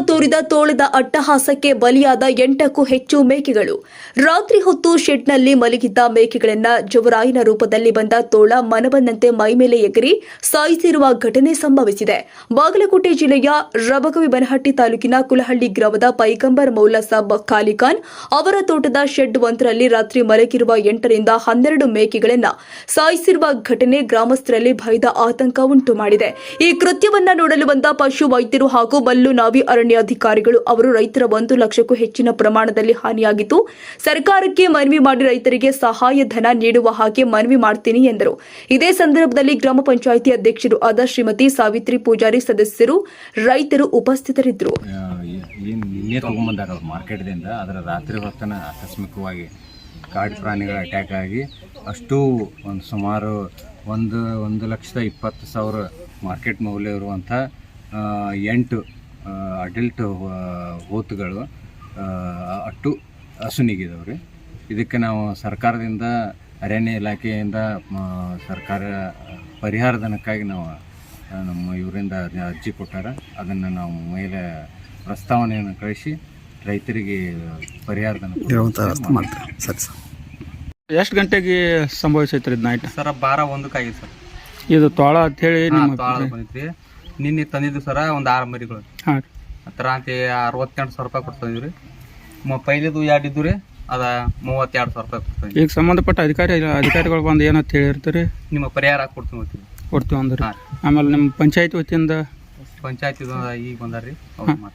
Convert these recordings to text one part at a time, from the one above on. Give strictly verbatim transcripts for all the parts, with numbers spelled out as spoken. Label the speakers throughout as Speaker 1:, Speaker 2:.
Speaker 1: ತೋರಿದ ತೋಳದ ಅಟ್ಟಹಾಸಕ್ಕೆ ಬಲಿಯಾದ ಎಂಟಕ್ಕೂ ಹೆಚ್ಚು ಮೇಕೆಗಳು. ರಾತ್ರಿ ಹೊತ್ತು ಶೆಡ್ನಲ್ಲಿ ಮಲಗಿದ್ದ ಮೇಕೆಗಳನ್ನ ಜವರಾಯನ ರೂಪದಲ್ಲಿ ಬಂದ ತೋಳ ಮನಬಂದಂತೆ ಮೈಮೇಲೆ ಎಗರಿ ಸಾಯಿಸಿರುವ ಘಟನೆ ಸಂಭವಿಸಿದೆ. ಬಾಗಲಕೋಟೆ ಜಿಲ್ಲೆಯ ರಬಕವಿಬನಹಟ್ಟಿ ತಾಲೂಕಿನ ಕುಲಹಳ್ಳಿ ಗ್ರಾಮದ ಪೈಗಂಬರ್ ಮೌಲಾ ಸಾಬ್ ಖಾಲಿಖಾನ್ ಅವರ ತೋಟದ ಶೆಡ್ ಒಂದರಲ್ಲಿ ರಾತ್ರಿ ಮಲಗಿರುವ ಎಂಟರಿಂದ ಹನ್ನೆರಡು ಮೇಕೆಗಳನ್ನ ಸಾಯಿಸಿರುವ ಘಟನೆ ಗ್ರಾಮಸ್ಥರಲ್ಲಿ ಭಯದ ಆತಂಕ ಉಂಟು ಮಾಡಿದೆ. ಈ ಕೃತ್ಯವನ್ನ ನೋಡಲು ಬಂದ ಪಶು ವೈದ್ಯರು ಹಾಗೂ ಮಲ್ಲು ನಾವಿ ಅರಣ್ಯಾಧಿಕಾರಿಗಳು ಅವರು ರೈತರ ಒಂದು ಲಕ್ಷಕ್ಕೂ ಹೆಚ್ಚಿನ ಪ್ರಮಾಣದಲ್ಲಿ ಹಾನಿಯಾಗಿದ್ದು ಸರ್ಕಾರಕ್ಕೆ ಮನವಿ ಮಾಡಿ ರೈತರಿಗೆ ಸಹಾಯಧನ ನೀಡುವ ಹಾಗೆ ಮನವಿ ಮಾಡ್ತೀನಿ ಎಂದರು. ಇದೇ ಸಂದರ್ಭದಲ್ಲಿ ಗ್ರಾಮ ಪಂಚಾಯಿತಿ ಅಧ್ಯಕ್ಷರು ಆದ ಶ್ರೀಮತಿ ಸಾವಿತ್ರಿ ಪೂಜಾರಿ ಸದಸ್ಯರು ರೈತರು ಉಪಸ್ಥಿತರಿದ್ದರು.
Speaker 2: ನಿನ್ನೆ ತಗೊಂಡ್ಬಂದಾರ ಅವ್ರು ಮಾರ್ಕೆಟ್ದಿಂದ. ಅದರ ರಾತ್ರಿ ಹೊತ್ತನ ಆಕಸ್ಮಿಕವಾಗಿ ಕಾಡು ಪ್ರಾಣಿಗಳ ಅಟ್ಯಾಕ್ ಆಗಿ ಅಷ್ಟು ಒಂದು ಸುಮಾರು ಒಂದು ಒಂದು ಲಕ್ಷದ ಇಪ್ಪತ್ತು ಸಾವಿರ ಮಾರ್ಕೆಟ್ ಮೌಲ್ಯ ಇರುವಂಥ ಎಂಟು ಅಡಲ್ಟ್ ಹೋತುಗಳು ಅಟ್ಟು ಹಸುನಿಗಿದವ್ರಿ. ಇದಕ್ಕೆ ನಾವು ಸರ್ಕಾರದಿಂದ ಅರಣ್ಯ ಇಲಾಖೆಯಿಂದ ಸರ್ಕಾರ ಪರಿಹಾರ ಧನಕ್ಕಾಗಿ ನಾವು ನಮ್ಮ ಇವರಿಂದ ಅರ್ಜಿ ಕೊಟ್ಟಾರ. ಅದನ್ನು ನಾವು ಮೇಲೆ ಪ್ರಸ್ತಾವನೆಯನ್ನು ಕಳಿಸಿ ರೈತರಿಗೆ ಪರಿಹಾರ ಧನ
Speaker 3: ಮಾಡ್ತಾರೆ. ಸರಿ ಸರ್, ಎಷ್ಟು ಗಂಟೆಗೆ ಸಂಭವಿಸೈತ್ರಿ ಇದು ನೈಟ್?
Speaker 2: ಸರ್ ಬಾರ ಒಂದಕ್ಕೆ ಆಗಿದೆ ಸರ್.
Speaker 3: ಇದು ತೋಳ ಅಂತೇಳಿ
Speaker 2: ಬಂದಿದ್ರಿ ನಿನ್ನೆ ತಂದಿದ್ದು ಸರ ಒಂದು ಆರು ಮರಿಗಳು.
Speaker 3: ಹಾಂ ರೀ.
Speaker 2: ಹತ್ತಿರ ಅಂತ ಅರವತ್ತೆಂಟು ಸಾವಿರ ರೂಪಾಯಿ ಕೊಡ್ತಿದ್ವಿ ರೀ. ಪೈಲಿದು ಎರಡು ಇದ್ದು ರೀ, ಅದ ಮೂವತ್ತೆರಡು ಸಾವಿರ ರೂಪಾಯಿ ಕೊಡ್ತೀವಿ.
Speaker 3: ಈಗ ಸಂಬಂಧಪಟ್ಟ ಅಧಿಕಾರಿ ಅಧಿಕಾರಿಗಳು ಬಂದು ಏನಂತ ಹೇಳಿರ್ತೀರಿ?
Speaker 2: ನಿಮ್ಮ ಪರಿಹಾರ ಕೊಡ್ತೀವಿ ಹೋಗ್ತೀವಿ
Speaker 3: ಕೊಡ್ತೀವಿ ಅಂದ್ರೆ. ಆಮೇಲೆ ನಿಮ್ಮ ಪಂಚಾಯತ್ ವತಿಯಿಂದ
Speaker 2: ಪಂಚಾಯತ್ ಈಗ ಬಂದಾರ ರೀ.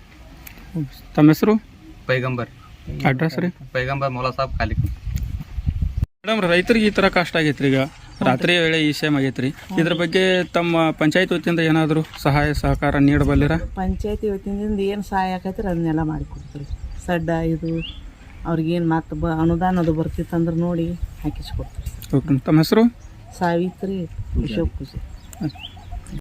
Speaker 3: ತಮ್ಮ ಹೆಸರು?
Speaker 2: ಪೈಗಂಬರ್.
Speaker 3: ಅಡ್ರೆಸ್ ರೀ?
Speaker 2: ಪೈಗಂಬರ್ ಮೌಲಾ ಸಾಬ್ ಖಾಲಿಖಾನ್.
Speaker 3: ಮೇಡಮ್, ರೈತರಿಗೆ ಈ ಥರ ಕಷ್ಟ ಆಗೈತ್ರಿ. ಈಗ ರಾತ್ರಿ ವೇಳೆ ಈ ಸೇಮ್ ಆಗೈತ್ರಿ. ಇದ್ರ ಬಗ್ಗೆ ತಮ್ಮ ಪಂಚಾಯತ್ ವತಿಯಿಂದ ಏನಾದರೂ ಸಹಾಯ ಸಹಕಾರ ನೀಡಬಲ್ಲಿರ?
Speaker 4: ಪಂಚಾಯತಿ ವತಿಯಿಂದ ಏನು ಸಹಾಯ ಆಕೈತ್ರಿ ಅದನ್ನೆಲ್ಲ ಮಾಡಿಕೊಡ್ತೀವಿ. ಸಡ್ಡ ಇದು ಅವ್ರಿಗೇನು ಮತ್ತು ಬ ಅನುದಾನ ಅದು ಬರ್ತಿತ್ತಂದ್ರೆ ನೋಡಿ ಹಾಕಿಸ್ಕೊಡ್ತೀವಿ.
Speaker 3: ಓಕೆ. ತಮ್ಮ ಹೆಸರು?
Speaker 4: ಸಾವಿತ್ರಿ ಅಶೋಕ್ ಪೂಜೆ.